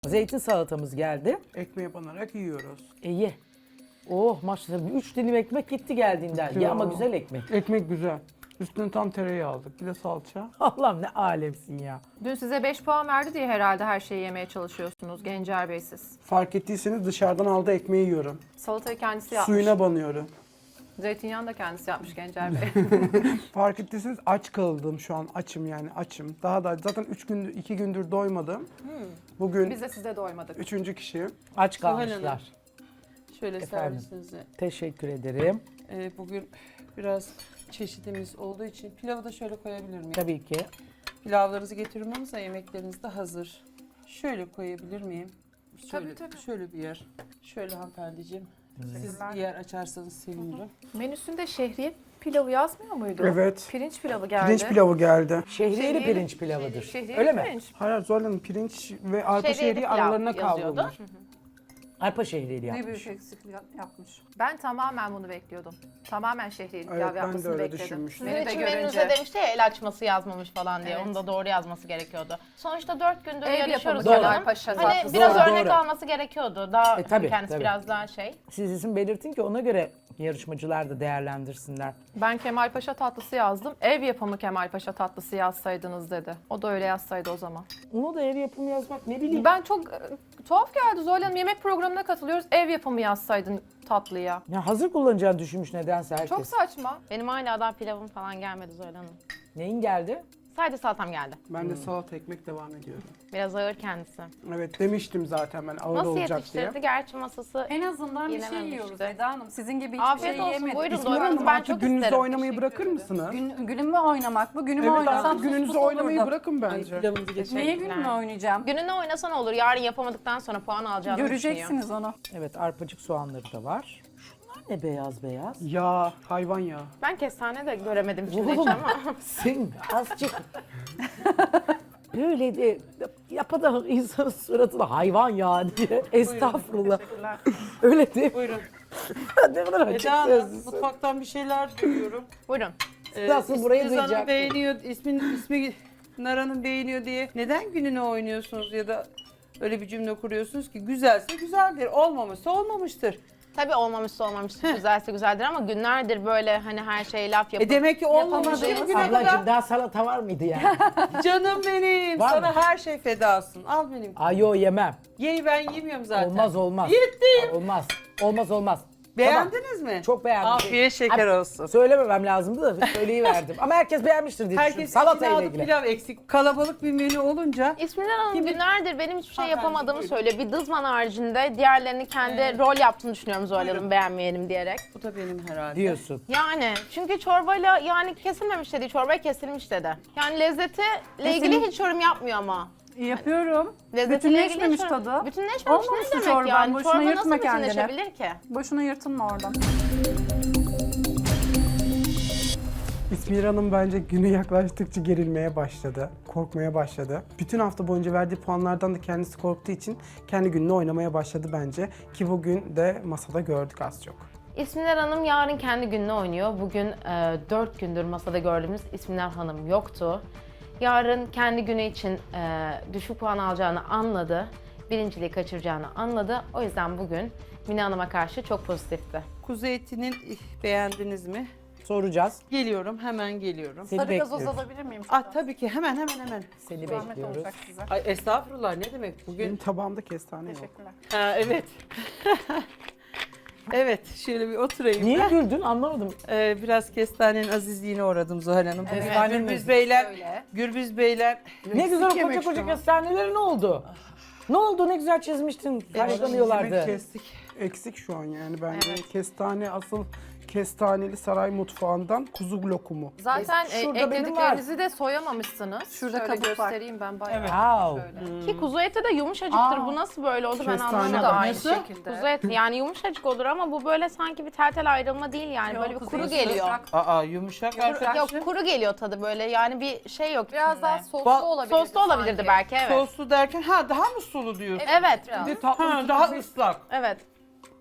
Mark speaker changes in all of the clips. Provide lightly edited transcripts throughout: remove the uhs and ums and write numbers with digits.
Speaker 1: Zeytin salatamız geldi.
Speaker 2: Ekmeğe banarak yiyoruz.
Speaker 1: Ye. Oh maşallah 3 dilim ekmek gitti geldiğinden. Ye ama güzel ekmek.
Speaker 2: Ekmek güzel. Üstüne tam tereyağı aldık. Bir de salça.
Speaker 1: Allah'ım ne alemsin ya.
Speaker 3: Dün size 5 puan verdi diye herhalde her şeyi yemeye çalışıyorsunuz Gencer Bey siz.
Speaker 2: Fark ettiyseniz dışarıdan aldığı ekmeği yiyorum.
Speaker 3: Salatayı kendisi yapmış.
Speaker 2: Suyuna banıyorum.
Speaker 3: Zeytinyağını da kendisi yapmış Gencer Bey.
Speaker 2: Fark ettiyseniz aç kaldım şu an. Açım yani açım. Daha da zaten 2 gündür doymadım. Bugün
Speaker 3: Biz de size doymadık.
Speaker 2: 3. kişi.
Speaker 1: Aç
Speaker 4: Zuhal
Speaker 1: kalmışlar.
Speaker 4: Hanım. Şöyle
Speaker 1: Efendim?
Speaker 4: servisinize.
Speaker 1: Teşekkür ederim.
Speaker 4: Bugün biraz çeşidimiz olduğu için pilavı da şöyle koyabilir miyim?
Speaker 1: Tabii ki.
Speaker 4: Pilavlarınızı getiriyorum ama yemekleriniz de hazır. Şöyle koyabilir miyim? Şöyle,
Speaker 3: Tabii.
Speaker 4: şöyle bir yer. Şöyle hanımefendiciğim. Siz bir yer açarsanız sevinirim.
Speaker 3: Menüsünde şehriye pilavı yazmıyor muydu?
Speaker 2: Evet.
Speaker 3: Pirinç pilavı geldi.
Speaker 2: Pirinç pilavı geldi.
Speaker 1: Şehriyeli pirinç pilavıdır.
Speaker 3: Şehriyeli
Speaker 1: Öyle mi?
Speaker 3: pirinç.
Speaker 2: Hayır Zuhal Hanım pirinç ve arpa
Speaker 5: Şehriyeli
Speaker 2: şehriye
Speaker 5: pilav
Speaker 2: aralarına
Speaker 5: yazıyordu.
Speaker 2: kavrulmuş.
Speaker 1: Arpa şehriyeli
Speaker 5: Ne
Speaker 1: yapmış.
Speaker 5: büyük eksiklik yapmış.
Speaker 3: Ben tamamen bunu bekliyordum. Tamamen şehriyeli
Speaker 2: Evet,
Speaker 3: pilav
Speaker 2: ben de
Speaker 3: yapmasını
Speaker 2: öyle
Speaker 3: bekledim.
Speaker 2: düşünmüştüm.
Speaker 5: Sizin
Speaker 3: Beni de
Speaker 5: için
Speaker 3: görünce.
Speaker 5: menünüze demişti ya el açması yazmamış falan diye.
Speaker 3: Evet.
Speaker 5: Onu da doğru yazması gerekiyordu. Sonuçta 4 gündür
Speaker 3: Ev
Speaker 5: yarışıyoruz.
Speaker 3: yapımı
Speaker 5: canım.
Speaker 3: Kemal Paşa
Speaker 5: Hani
Speaker 3: tatlısı.
Speaker 5: biraz
Speaker 1: Doğru,
Speaker 5: örnek
Speaker 1: doğru.
Speaker 5: alması gerekiyordu. Daha
Speaker 1: Tabii,
Speaker 5: kendisi
Speaker 1: tabii.
Speaker 5: biraz daha şey.
Speaker 1: Siz isim belirtin ki ona göre yarışmacılar da değerlendirsinler.
Speaker 3: Ben Kemal Paşa tatlısı yazdım. Ev yapımı Kemal Paşa tatlısı yazsaydınız dedi. O da öyle yazsaydı o zaman.
Speaker 1: Onu da ev yapımı yazmak ne bileyim.
Speaker 3: Ben çok tuhaf geldi Zuhal Hanım. Yemek programına katılıyoruz. Ev yapımı yazsaydın tatlıya.
Speaker 1: Ya hazır kullanacağını düşünmüş nedense herkes.
Speaker 3: Çok saçma.
Speaker 5: Benim hala daha pilavım falan gelmedi Zoyla Hanım.
Speaker 1: Neyin geldi?
Speaker 5: Sadece salatam geldi.
Speaker 2: Ben de salata ekmek devam ediyorum.
Speaker 5: Biraz ağır kendisi.
Speaker 2: Evet demiştim zaten ben ağır
Speaker 5: Nasıl
Speaker 2: olacak diye.
Speaker 5: yetiştirdi? Gerçi masası
Speaker 6: En azından bir şey
Speaker 5: Yenememişti.
Speaker 6: yiyoruz Eda Hanım. Sizin gibi hiçbir
Speaker 5: Afiyet
Speaker 6: şey
Speaker 5: olsun,
Speaker 6: yemedik.
Speaker 5: buyurun.
Speaker 2: İsmail Hanım
Speaker 5: Doymanızı ben
Speaker 2: artık
Speaker 5: çok
Speaker 2: gününüzde
Speaker 5: isterim.
Speaker 2: oynamayı bırakır mısınız?
Speaker 6: Günümü oynamak mı? Günümü
Speaker 2: Evet
Speaker 6: oynasam
Speaker 2: artık
Speaker 6: sus
Speaker 2: gününüzü
Speaker 6: pus
Speaker 2: oynamayı
Speaker 6: olurdum.
Speaker 2: bırakın bence.
Speaker 4: Pilavınızı getir.
Speaker 6: Neye günümü oynayacağım?
Speaker 5: gününde oynasa ne olur? Yarın yapamadıktan sonra puan alacağını düşünüyor.
Speaker 6: Göreceksiniz onu.
Speaker 1: Evet arpacık soğanları da var. Şunlar ne beyaz beyaz?
Speaker 2: Ya hayvan ya.
Speaker 5: Ben kestane de göremedim şimdi hiç
Speaker 1: Oğlum
Speaker 5: ama.
Speaker 1: sen azıcık böyle de yapada insanın suratına hayvan ya diye. Estağfurullah. Öyle değil mi?
Speaker 4: Buyurun.
Speaker 1: Ne kadar açık
Speaker 4: Eda Hanım
Speaker 1: sözlüsün.
Speaker 4: mutfaktan bir şeyler duyuyorum.
Speaker 5: Buyurun.
Speaker 1: Nasıl burayı
Speaker 4: İsmi Hanım
Speaker 1: duyacak?
Speaker 4: beğeniyor, ismi Naran'ın beğeniyor diye neden gününü oynuyorsunuz ya da öyle bir cümle kuruyorsunuz ki güzelse güzeldir, olmamışsa olmamıştır.
Speaker 5: Tabii olmamışsa olmamıştır, güzelse güzeldir ama günlerdir böyle hani her şeye laf yapıp...
Speaker 4: Demek ki olmamış ki
Speaker 5: Yapamadığımız-
Speaker 4: bugüne
Speaker 1: Ablacığım
Speaker 4: kadar.
Speaker 1: daha salata var mıydı yani?
Speaker 4: Canım benim,
Speaker 1: Var
Speaker 4: sana
Speaker 1: mı?
Speaker 4: her şey fedasın. Al benim.
Speaker 1: Ay yo yemem.
Speaker 4: Yeyi ben yemiyorum zaten.
Speaker 1: Olmaz olmaz.
Speaker 4: Yettim.
Speaker 1: Olmaz. Olmaz olmaz.
Speaker 4: Beğendiniz mi?
Speaker 1: Çok beğendim.
Speaker 4: Afiyet şeker olsun.
Speaker 1: Söylememem lazımdı da söyleyiverdim. Ama herkes beğenmiştir diye düşünüyorum.
Speaker 4: Herkes
Speaker 1: Salata
Speaker 4: içine
Speaker 1: ile
Speaker 4: aldı
Speaker 1: ilgili.
Speaker 4: pilav eksik. Kalabalık bir menü olunca
Speaker 5: İsmiler Hanım
Speaker 4: Kim-
Speaker 5: günlerdir benim hiçbir şey
Speaker 4: Hanımefendi,
Speaker 5: yapamadığımı
Speaker 4: buyurun.
Speaker 5: söylüyor. Bir dızman haricinde diğerlerini kendi rol yaptığını düşünüyorum Zuhal Hanım
Speaker 4: Buyurun.
Speaker 5: beğenmeyelim diyerek.
Speaker 4: bu da benim herhalde.
Speaker 1: Diyorsun.
Speaker 5: Yani çünkü çorbayla yani kesilmemiş dedi, çorbaya kesilmiş dedi. Yani lezzetiyle ilgili hiç yorum yapmıyor ama.
Speaker 6: Yapıyorum.
Speaker 5: Lezzetiyle ilgili
Speaker 6: Bütünleşmemiş
Speaker 5: hiç yorum-
Speaker 6: tadı.
Speaker 5: Bütünleşmemiş
Speaker 6: Olmamış
Speaker 5: ne
Speaker 6: bu
Speaker 5: demek
Speaker 6: çorban,
Speaker 5: yani?
Speaker 6: boşuna
Speaker 5: Çorba
Speaker 6: yırtma
Speaker 5: nasıl
Speaker 6: kendini.
Speaker 5: bütünleşebilir ki?
Speaker 6: Boşuna yırtınma oradan.
Speaker 2: İsmir Hanım bence günü yaklaştıkça gerilmeye başladı, korkmaya başladı. Bütün hafta boyunca verdiği puanlardan da kendisi korktuğu için kendi gününü oynamaya başladı bence. Ki bugün de masada gördük az çok.
Speaker 5: İsmiler Hanım yarın kendi gününü oynuyor. Bugün 4 gündür masada gördüğümüz İsmiler Hanım yoktu. Yarın kendi günü için düşük puan alacağını anladı. Birinciliği kaçıracağını anladı. O yüzden bugün Mine Hanım'a karşı çok pozitifti.
Speaker 4: Kuzu etinin beğendiniz mi?
Speaker 1: Soracağız.
Speaker 4: Geliyorum, hemen geliyorum.
Speaker 1: Seni
Speaker 6: Sarı gazoz
Speaker 1: bekliyoruz.
Speaker 6: alabilir miyim?
Speaker 4: Tabii ki hemen.
Speaker 1: Seni
Speaker 6: Zahmet
Speaker 1: bekliyoruz.
Speaker 6: olacak size.
Speaker 4: Ay estağfurullah ne demek
Speaker 2: Benim
Speaker 4: bugün?
Speaker 2: tabağımda kestane yok.
Speaker 6: Teşekkürler.
Speaker 4: Ha, evet. Evet, şöyle bir oturayım.
Speaker 1: Niye güldün anlamadım.
Speaker 4: Biraz kestanenin azizliğine uğradım Zuhal Hanım.
Speaker 1: Evet.
Speaker 4: Gürbüz Beyler,
Speaker 3: Öyle.
Speaker 4: Gürbüz Beyler.
Speaker 1: Ne güzel o
Speaker 4: Eksik
Speaker 1: koca
Speaker 4: yemek
Speaker 1: koca
Speaker 4: şu an.
Speaker 1: kestaneleri ne oldu? Ne oldu ne güzel çizmiştin.
Speaker 2: Yemek
Speaker 1: Karşılanıyorlardı.
Speaker 2: kestik. Eksik şu an yani bence. Kestane asıl kestaneli saray mutfağından kuzu lokumu.
Speaker 3: Zaten
Speaker 1: Şurada benim
Speaker 3: eklediklerinizi de soyamamışsınız.
Speaker 6: Şurada
Speaker 3: Şöyle
Speaker 6: kabuk var.
Speaker 3: göstereyim ben bayağı.
Speaker 1: Wow.
Speaker 3: Şöyle.
Speaker 5: Ki kuzu eti de yumuşacıktır. Bu nasıl böyle oldu ben
Speaker 2: Kestane
Speaker 5: anlamadım.
Speaker 3: Bu da aynı
Speaker 4: Nasıl?
Speaker 3: şekilde.
Speaker 5: Kuzu eti yani yumuşacık olur ama bu böyle sanki bir tel tel ayrılma değil yani. Böyle bir
Speaker 6: kuzu
Speaker 5: kuru
Speaker 6: eti
Speaker 5: geliyor.
Speaker 4: Aa yumuşak arkadaşım.
Speaker 5: Yok kuru geliyor tadı böyle yani bir şey yok
Speaker 3: Biraz
Speaker 5: içinde.
Speaker 3: daha soslu olabilirdi
Speaker 5: Soslu olabilirdi
Speaker 3: sanki.
Speaker 5: belki evet.
Speaker 4: Soslu derken daha mı sulu diyorsun?
Speaker 5: Evet.
Speaker 3: Biraz.
Speaker 2: Bir de tatlı
Speaker 4: Daha ıslak.
Speaker 5: Evet.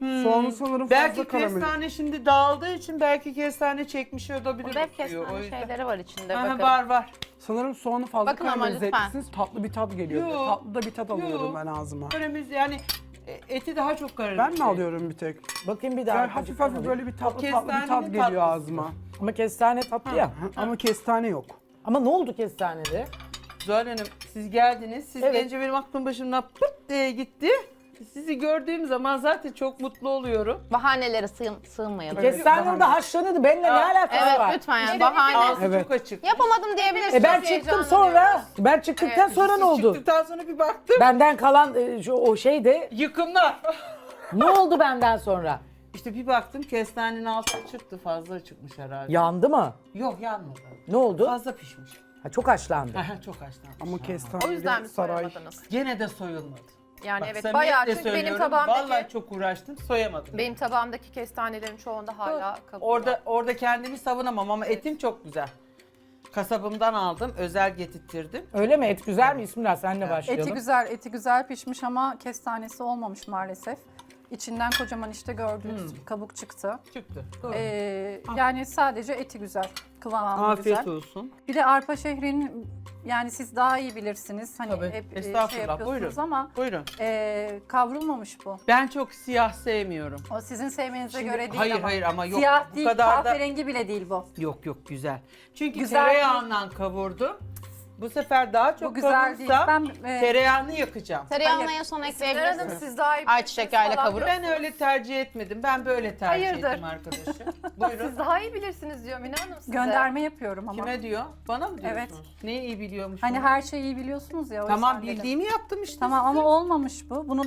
Speaker 2: Soğanı sanırım
Speaker 4: Belki
Speaker 2: fazla karamelize.
Speaker 4: kestane şimdi dağıldığı için belki kestane çekmiş olabilir.
Speaker 5: Burada hep
Speaker 4: o suyu, o
Speaker 5: kestane
Speaker 4: yüzden.
Speaker 5: şeyleri var içinde.
Speaker 4: Aha,
Speaker 5: Bakın.
Speaker 4: var.
Speaker 2: Sanırım soğanı fazla
Speaker 5: Bakın ama
Speaker 2: karamelize
Speaker 5: lütfen.
Speaker 2: etmişsiniz. Tatlı bir tat geliyor.
Speaker 4: Yo.
Speaker 2: Tatlı da bir tat
Speaker 4: Yo.
Speaker 2: alıyorum ben ağzıma.
Speaker 4: Köremiz yani eti daha çok karar.
Speaker 2: Ben mi alıyorum bir tek?
Speaker 1: Bakayım bir daha.
Speaker 2: Yani hafif hafif böyle bir tatlı tatlı bir tat
Speaker 4: kestanenin
Speaker 2: geliyor
Speaker 4: tatlısı.
Speaker 2: ağzıma.
Speaker 1: Ama kestane tatlı ya.
Speaker 2: Ama kestane yok.
Speaker 1: Ama ne oldu kestanede?
Speaker 4: Zuhal Hanım siz geldiniz. Siz
Speaker 1: Evet.
Speaker 4: gelince benim aklım başımdan pıt diye gitti. Sizi gördüğüm zaman zaten çok mutlu oluyorum.
Speaker 5: Bahanelere sığınmayalım.
Speaker 2: Evet.
Speaker 1: Kestane orada haşlanıyordu. Benimle ne alakası
Speaker 5: Evet
Speaker 1: var?
Speaker 5: lütfen yani
Speaker 4: İşte
Speaker 5: bahane.
Speaker 4: ağzı
Speaker 2: Evet.
Speaker 4: çok açık.
Speaker 5: Yapamadım diyebilirsiniz.
Speaker 1: Ben çıktım sonra. Ben çıktıktan sonra ne oldu?
Speaker 4: Çıktıktan sonra bir baktım.
Speaker 1: Benden kalan o şey de
Speaker 4: Yıkımlar.
Speaker 1: ne oldu benden sonra?
Speaker 4: İşte bir baktım kestanenin altı çıktı. Fazla çıkmış herhalde.
Speaker 1: Yandı mı?
Speaker 4: Yok yanmadı.
Speaker 1: Ne oldu?
Speaker 4: Fazla pişmiş.
Speaker 1: Ha, çok haşlandı.
Speaker 4: Aha, çok haşlanmış.
Speaker 2: Ama
Speaker 3: O
Speaker 2: kestane
Speaker 3: yüzden mi
Speaker 2: saray.
Speaker 3: soyamadınız?
Speaker 4: Gene de soyulmadı.
Speaker 3: Yani
Speaker 4: Bak,
Speaker 3: evet
Speaker 4: samimiyetle
Speaker 3: bayağı çünkü benim
Speaker 4: söylüyorum,
Speaker 3: tabağımdaki
Speaker 4: Vallahi çok uğraştım soyamadım.
Speaker 3: benim tabağımdaki kestanelerin çoğunda hala kabuğu var.
Speaker 4: Orada kendimi savunamam ama etim çok güzel. Kasabımdan aldım, özel getirttirdim.
Speaker 1: Öyle mi? Et güzel mi? İsmillah senle başlayalım.
Speaker 6: Eti güzel pişmiş ama kestanesi olmamış maalesef. İçinden kocaman işte gördüğünüz bir kabuk çıktı.
Speaker 4: Çıktı. Doğru.
Speaker 6: Yani sadece eti güzel, kıvamı
Speaker 4: Afiyet
Speaker 6: güzel.
Speaker 4: olsun.
Speaker 6: Bir de arpa şehrinin yani siz daha iyi bilirsiniz. Hani
Speaker 4: Tabii.
Speaker 6: hep
Speaker 4: Estağfurullah,
Speaker 6: şey yapıyorsunuz
Speaker 4: buyurun.
Speaker 6: ama
Speaker 4: Buyurun.
Speaker 6: kavrulmamış bu.
Speaker 4: Ben çok siyah sevmiyorum.
Speaker 6: O sizin sevmenize
Speaker 4: Şimdi-
Speaker 6: göre değil
Speaker 4: hayır,
Speaker 6: ama.
Speaker 4: hayır ama yok,
Speaker 6: Siyah
Speaker 4: bu
Speaker 6: değil,
Speaker 4: kadar da-
Speaker 6: kahverengi bile değil bu.
Speaker 4: Yok güzel. Çünkü
Speaker 6: Güzel
Speaker 4: tereyağından kavurdum. Bu sefer daha çok
Speaker 6: Bu güzel değil.
Speaker 4: kavurursam
Speaker 6: Ben
Speaker 4: tereyağını yakacağım.
Speaker 5: Tereyağını
Speaker 6: Hayır.
Speaker 5: en son
Speaker 3: İsmail Hanım
Speaker 5: ekleyebilirsiniz.
Speaker 3: siz daha iyi
Speaker 5: Ayçiçek yağıyla
Speaker 3: falan
Speaker 5: kavurup.
Speaker 4: Ben öyle tercih etmedim. Ben böyle tercih
Speaker 3: Hayırdır?
Speaker 4: ettim arkadaşım. Buyurun.
Speaker 3: Siz daha iyi bilirsiniz diyor Mine Hanım size.
Speaker 6: gönderme yapıyorum ama.
Speaker 4: Kime diyor? Bana mı diyorsunuz?
Speaker 6: Evet.
Speaker 4: Neyi iyi biliyormuş?
Speaker 6: Hani her şeyi iyi biliyorsunuz ya. o
Speaker 4: Tamam
Speaker 6: yüzden dedim.
Speaker 4: bildiğimi yaptım işte.
Speaker 6: Tamam
Speaker 4: size.
Speaker 6: ama olmamış bu. Bunun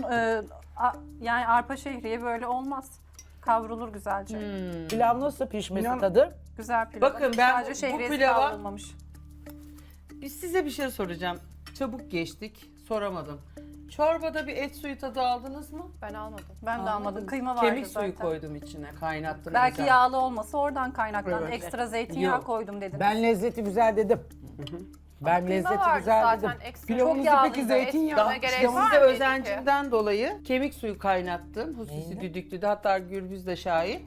Speaker 6: yani arpa şehriye böyle olmaz. Kavrulur güzelce.
Speaker 1: Pilav nasıl pişmesi
Speaker 2: İnan-
Speaker 1: tadı?
Speaker 6: Güzel pilav.
Speaker 4: Bakın ben
Speaker 6: Sadece
Speaker 4: bu
Speaker 6: şehriyesi
Speaker 4: pilava-
Speaker 6: kavrulmamış.
Speaker 4: Size bir şey soracağım. Çabuk geçtik. Soramadım. Çorbada bir et suyu tadı aldınız mı?
Speaker 3: Ben almadım.
Speaker 6: Ben de almadım. Kıyma vardı
Speaker 4: Kemik
Speaker 6: zaten.
Speaker 4: suyu koydum içine. Kaynattım.
Speaker 6: Belki
Speaker 4: özel.
Speaker 6: yağlı olması oradan kaynaklandı.
Speaker 2: Evet.
Speaker 6: Ekstra zeytinyağı
Speaker 4: Yok.
Speaker 6: koydum dediniz.
Speaker 1: Ben lezzeti güzel dedim. Ben
Speaker 3: Kıyma
Speaker 1: lezzeti
Speaker 3: vardı
Speaker 1: güzel
Speaker 3: zaten
Speaker 1: dedim.
Speaker 3: ekstra.
Speaker 2: Pilavınızı
Speaker 3: Çok yağlıydı.
Speaker 2: peki zeytinyağı-
Speaker 3: Ekstra
Speaker 4: İşte
Speaker 3: gerek var
Speaker 4: size
Speaker 3: mıydı ki?
Speaker 4: özencimden dolayı kemik suyu kaynattım. Husisi düdüklüde, hatta Gürbüz de şahit.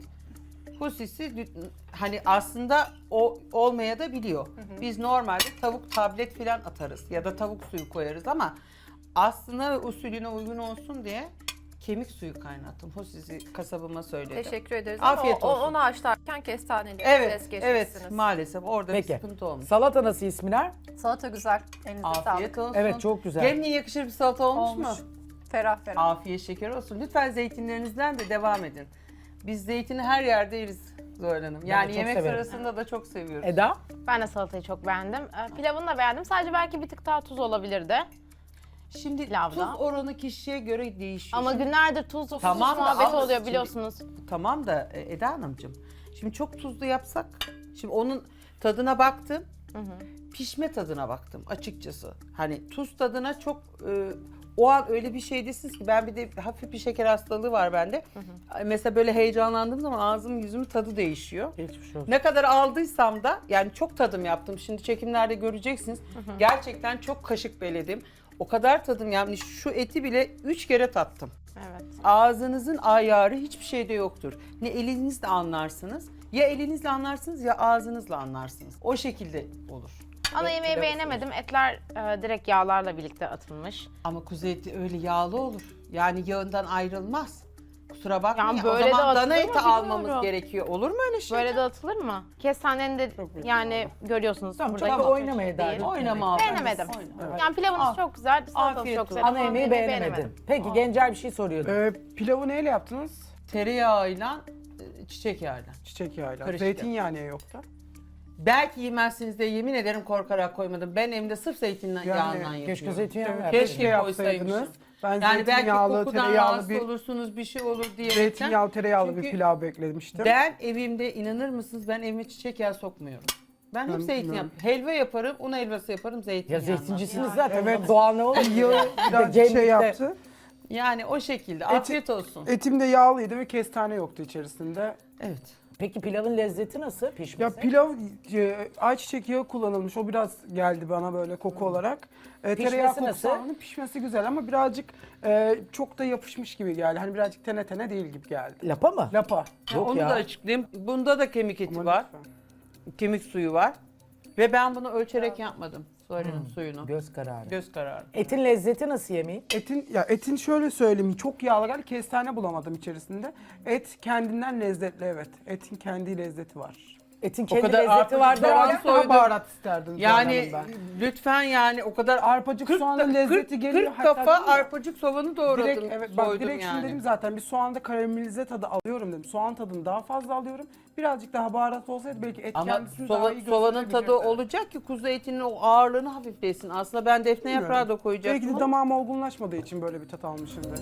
Speaker 4: Husisi hani aslında o olmaya da biliyor. Biz normalde tavuk tablet falan atarız ya da tavuk suyu koyarız ama aslına ve usulüne uygun olsun diye kemik suyu kaynattım. Husisi kasabıma söyledi.
Speaker 3: Teşekkür ederiz
Speaker 4: Afiyet
Speaker 3: ama
Speaker 4: olsun.
Speaker 3: onu haşlarken kestaneli
Speaker 4: Evet,
Speaker 3: ses geçmişsiniz.
Speaker 4: evet maalesef orada
Speaker 1: Peki.
Speaker 4: bir sıkıntı olmuş.
Speaker 1: Salata nasıl İsmiler?
Speaker 6: Salata güzel. Elinize
Speaker 4: Afiyet
Speaker 6: sağlık.
Speaker 4: olsun.
Speaker 1: Evet, çok güzel.
Speaker 4: Geline yakışır bir salata olmuş mu?
Speaker 6: Ferah ferah.
Speaker 4: Afiyet şeker olsun. Lütfen zeytinlerinizden de devam edin. Biz zeytini her yerde yeriz Zuhal Hanım. Yani
Speaker 1: çok
Speaker 4: yemek
Speaker 1: severim.
Speaker 4: sırasında da çok seviyoruz.
Speaker 1: Eda?
Speaker 5: Ben de salatayı çok beğendim. Pilavını da beğendim. Sadece belki bir tık daha tuz olabilirdi.
Speaker 4: Şimdi
Speaker 5: Pilavda.
Speaker 4: tuz oranı kişiye göre değişiyor.
Speaker 5: Ama günlerdir tuzlu
Speaker 4: Tamam da
Speaker 5: muhabbeti
Speaker 4: al-
Speaker 5: oluyor
Speaker 4: şimdi-
Speaker 5: biliyorsunuz.
Speaker 4: Tamam da Eda Hanımcığım. Şimdi çok tuzlu yapsak, şimdi onun tadına baktım. Pişme tadına baktım açıkçası. Hani tuz tadına çok o an öyle bir şeydesiniz ki ben bir de hafif bir şeker hastalığı var bende. Mesela böyle heyecanlandığım zaman ağzım yüzümün tadı değişiyor.
Speaker 1: Geçmiş olsun.
Speaker 4: Ne kadar aldıysam da yani çok tadım yaptım. Şimdi çekimlerde göreceksiniz. Gerçekten çok kaşık beledim. O kadar tadım yani şu eti bile 3 kere tattım.
Speaker 5: Evet.
Speaker 4: Ağzınızın ayarı hiçbir şeyde yoktur. Ne elinizle anlarsınız, ya elinizle anlarsınız ya ağzınızla anlarsınız. O şekilde olur.
Speaker 5: Ana yemeği
Speaker 4: pilav
Speaker 5: beğenemedim. Etler direkt yağlarla birlikte atılmış.
Speaker 4: Ama kuzu eti öyle yağlı olur. Yani yağından ayrılmaz. Kusura bakmayın.
Speaker 5: Yani
Speaker 4: O
Speaker 5: böyle de
Speaker 4: zaman
Speaker 5: atılır
Speaker 4: dana
Speaker 5: mı
Speaker 4: eti
Speaker 5: bilmiyorum.
Speaker 4: almamız gerekiyor. Olur mu öyle şey?
Speaker 5: Böyle de atılır mı? Kestanenin de yani görüyorsunuz
Speaker 1: Tamam,
Speaker 5: buradaki
Speaker 1: çok da
Speaker 5: o
Speaker 1: oynama Eda.
Speaker 5: değil.
Speaker 4: Oynama abi.
Speaker 5: Beğenemedim.
Speaker 4: Oyna.
Speaker 5: Yani pilavınız
Speaker 4: Al.
Speaker 5: çok güzel, salatanız
Speaker 4: Afiyet
Speaker 5: çok
Speaker 4: olsun.
Speaker 5: güzel.
Speaker 1: Ana yemeği beğenemedin. Peki Gencer bir şey soruyordu.
Speaker 2: Pilavı neyle yaptınız?
Speaker 4: Tereyağıyla, çiçek yağıyla.
Speaker 2: Çiçek yağıyla.
Speaker 4: Karışık
Speaker 2: Zeytinyağı niye yoktu?
Speaker 4: Belki yemezsiniz de yemin ederim korkarak koymadım. Ben evimde sırf zeytinyağından yapıyorum.
Speaker 1: Keşke zeytinyağı
Speaker 2: Evet,
Speaker 1: verseydin.
Speaker 4: Keşke
Speaker 2: yapsaydınız.
Speaker 4: koysaymışım.
Speaker 2: Ben
Speaker 4: Yani belki
Speaker 2: zeytinyağlı,
Speaker 4: kokudan
Speaker 2: tereyağlı
Speaker 4: rahatsız
Speaker 2: bir
Speaker 4: olursunuz, bir şey olur diye.
Speaker 2: zeytinyağlı, tereyağlı bir
Speaker 4: Çünkü
Speaker 2: pilav beklemiştim.
Speaker 4: Ben evimde inanır mısınız ben evime çiçek yağı sokmuyorum. Ben hep
Speaker 2: Ben
Speaker 4: zeytinyağı.
Speaker 2: bilmiyorum.
Speaker 4: Helva yaparım, un helvası yaparım
Speaker 1: Ya
Speaker 4: zeytinyağından.
Speaker 1: zeytincisiniz zaten.
Speaker 2: Evet.
Speaker 1: Doğal ne olur?
Speaker 2: Yağı biraz
Speaker 1: Cemlik'te-
Speaker 2: şey yaptı.
Speaker 4: Yani o şekilde. Afiyet olsun.
Speaker 2: Etim de yağlıydı ve kestane yoktu içerisinde.
Speaker 4: Evet.
Speaker 1: Peki pilavın lezzeti nasıl pişmesi?
Speaker 2: Ya pilav ayçiçek yağı kullanılmış. O biraz geldi bana böyle koku olarak. Tereyağı kokusu
Speaker 1: nasıl?
Speaker 2: aldım. Pişmesi güzel ama birazcık çok da yapışmış gibi geldi. Hani birazcık tene tene değil gibi geldi.
Speaker 1: Lapa mı?
Speaker 2: Lapa.
Speaker 1: Yok
Speaker 4: Onu
Speaker 1: ya.
Speaker 4: da açıklayayım. Bunda da kemik eti
Speaker 2: Aman
Speaker 4: var.
Speaker 2: lütfen.
Speaker 4: Kemik suyu var. Ve ben bunu ölçerek yapmadım. Soğanın suyunu.
Speaker 1: Göz kararı.
Speaker 4: Göz kararı.
Speaker 1: Etin lezzeti nasıl yemeğin?
Speaker 2: Etin şöyle söyleyeyim, çok yağlı geldi, kestane bulamadım içerisinde. Et kendinden lezzetli, evet. Etin kendi lezzeti var.
Speaker 1: Etin kendi
Speaker 4: kadar
Speaker 1: lezzeti
Speaker 4: arpacık
Speaker 1: var
Speaker 4: soğan
Speaker 1: derken
Speaker 2: Birazcık daha
Speaker 4: soydum.
Speaker 2: baharat isterdim
Speaker 4: Yani
Speaker 2: ben.
Speaker 4: lütfen yani o kadar
Speaker 2: Arpacık soğanın lezzeti geliyor.
Speaker 4: 40
Speaker 2: hatta
Speaker 4: kafa
Speaker 2: dedim ya,
Speaker 4: arpacık soğanı doğradım.
Speaker 2: direkt, evet, bak
Speaker 4: soydum
Speaker 2: direkt şimdi
Speaker 4: yani.
Speaker 2: dedim zaten bir soğanda karamelize tadı alıyorum dedim. Soğan tadını daha fazla alıyorum. Birazcık daha baharat olsaydı belki et
Speaker 4: Ama
Speaker 2: kendisini daha iyi
Speaker 4: soğanın tadı
Speaker 2: gösterebilirdi.
Speaker 4: olacak ki kuzu etinin o ağırlığını hafiflesin. Aslında ben defne yaprağı da koyacaktım.
Speaker 2: Belki de damağım olgunlaşmadığı için böyle bir tat almışımdır.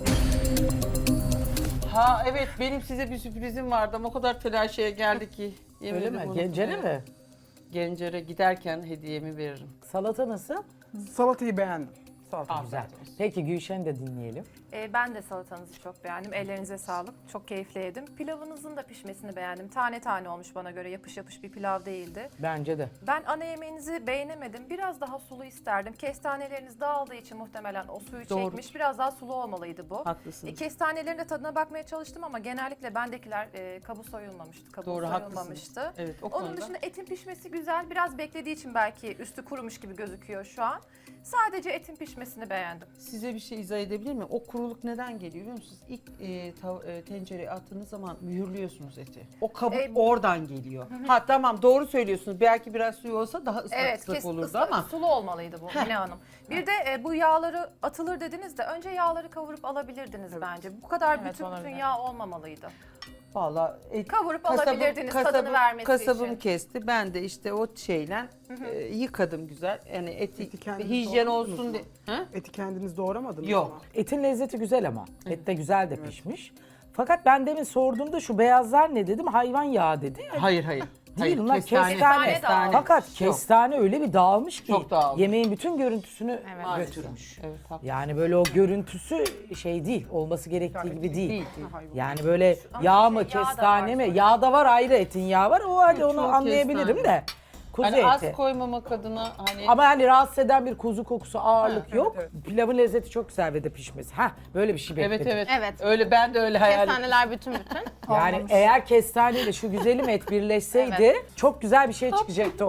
Speaker 4: Ha evet, benim size bir sürprizim vardı ama o kadar telaşeye geldi ki.
Speaker 1: öyle
Speaker 4: yemedim
Speaker 1: mi?
Speaker 4: onu.
Speaker 1: Gencene
Speaker 4: Evet.
Speaker 1: mi?
Speaker 4: Gencere giderken hediyemi veririm.
Speaker 1: Salata nasıl?
Speaker 2: Salatayı beğendim. Salata
Speaker 1: Güzel. Peki Gülşen'i de dinleyelim.
Speaker 3: Ben de salatanızı çok beğendim. Ellerinize sağlık. Çok keyifli yedim. Pilavınızın da pişmesini beğendim. Tane tane olmuş bana göre. Yapış yapış bir pilav değildi.
Speaker 1: Bence de.
Speaker 3: Ben ana yemeğinizi beğenemedim. Biraz daha sulu isterdim. Kestaneleriniz dağıldığı için muhtemelen o suyu
Speaker 4: Doğru.
Speaker 3: çekmiş. Biraz daha sulu olmalıydı bu.
Speaker 4: Haklısınız.
Speaker 3: Kestanelerin de tadına bakmaya çalıştım ama genellikle bendekiler kabuğu soyulmamıştı. Kabuğu
Speaker 4: Doğru,
Speaker 3: soyulmamıştı.
Speaker 4: Evet, o
Speaker 3: Onun
Speaker 4: konuda.
Speaker 3: dışında etin pişmesi güzel. Biraz beklediği için belki üstü kurumuş gibi gözüküyor şu an. Sadece etin pişmesini beğendim.
Speaker 4: Size bir şey izah edebilir miyim? O kuruluk neden geliyor biliyor musunuz? İlk tencereye attığınız zaman mühürlüyorsunuz eti. O kabuk oradan geliyor. Ha tamam, doğru söylüyorsunuz. Belki biraz suyu olsa daha ıslak ıslak olurdu ama.
Speaker 3: Sulu olmalıydı bu Mine Hanım. Bir de bu yağları atılır dediniz de önce yağları kavurup alabilirdiniz bence. Bu kadar bütün yağ olmamalıydı.
Speaker 4: Vallahi
Speaker 3: Kavurup alabilirdiniz tadını vermesi
Speaker 4: kasabım
Speaker 3: için.
Speaker 4: kesti. Ben de işte o şeyle yıkadım güzel. Yani eti
Speaker 2: kendiniz
Speaker 4: hijyen
Speaker 2: doğradınız
Speaker 4: olsun
Speaker 2: mı?
Speaker 4: diye. Ha?
Speaker 2: Eti kendiniz doğramadınız
Speaker 4: Yok.
Speaker 2: mı?
Speaker 1: Etin lezzeti güzel ama. Et de güzel de pişmiş. Fakat ben demin sorduğumda şu beyazlar ne dedim? Hayvan yağı dedi.
Speaker 4: Hayır hayır.
Speaker 1: Değil,
Speaker 4: Hayır,
Speaker 1: bunlar kestane.
Speaker 3: Kestane.
Speaker 1: Fakat
Speaker 4: Yok.
Speaker 1: kestane öyle bir dağılmış ki
Speaker 4: Çok dağılmış.
Speaker 1: yemeğin bütün görüntüsünü
Speaker 4: Maalesef.
Speaker 1: götürmüş.
Speaker 4: Evet, haklı.
Speaker 1: Yani böyle o görüntüsü şey değil, olması gerektiği gibi değil.
Speaker 4: Değil.
Speaker 1: Yani böyle yağ mı,
Speaker 3: yağ da
Speaker 1: kestane
Speaker 3: var
Speaker 1: mi?
Speaker 3: sonra.
Speaker 1: Yağ da var, ayrı etin yağı var. O hadi onu
Speaker 4: Çok
Speaker 1: anlayabilirim
Speaker 4: kestane.
Speaker 1: de. Kuzu
Speaker 4: Hani az
Speaker 1: eti.
Speaker 4: koymamak adına hani
Speaker 1: Ama yani rahatsız eden bir kuzu kokusu, ağırlık yok.
Speaker 2: evet.
Speaker 1: Pilavın lezzeti çok güzel ve de pişmesi. Ha, böyle bir şey bekledim.
Speaker 4: evet evet.
Speaker 5: Evet.
Speaker 4: Öyle ben de öyle hayal ettim.
Speaker 5: Kestaneler bütün.
Speaker 1: Yani eğer kestaneyle şu güzelim et birleşseydi çok güzel bir şey çıkacaktı.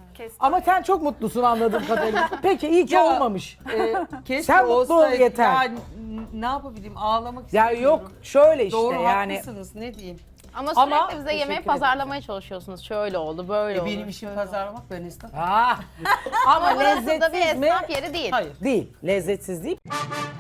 Speaker 1: Ama sen çok mutlusun anladığım kadarıyla. Peki iyi ki
Speaker 4: Ya,
Speaker 1: olmamış.
Speaker 4: Keşke
Speaker 1: Sen mutlu ol
Speaker 4: olsaydı.
Speaker 1: yeter.
Speaker 4: Ya, ne yapabilirim? Ağlamak
Speaker 1: Ya
Speaker 4: istemiyorum.
Speaker 1: yok şöyle işte
Speaker 4: Doğru
Speaker 1: yani.
Speaker 4: haklısınız, ne diyeyim.
Speaker 5: Ama
Speaker 1: Ama
Speaker 5: sürekli bize yemeği
Speaker 1: teşekkür
Speaker 5: pazarlamaya çalışıyorsunuz. Şöyle oldu, böyle oldu.
Speaker 4: Benim işim pazarlamak, ben istemem.
Speaker 1: Ah, ama
Speaker 5: Ama burası da bir
Speaker 1: lezzetsiz mi?
Speaker 5: esnaf yeri değil.
Speaker 4: Hayır.
Speaker 1: Değil. Lezzetsiz değil.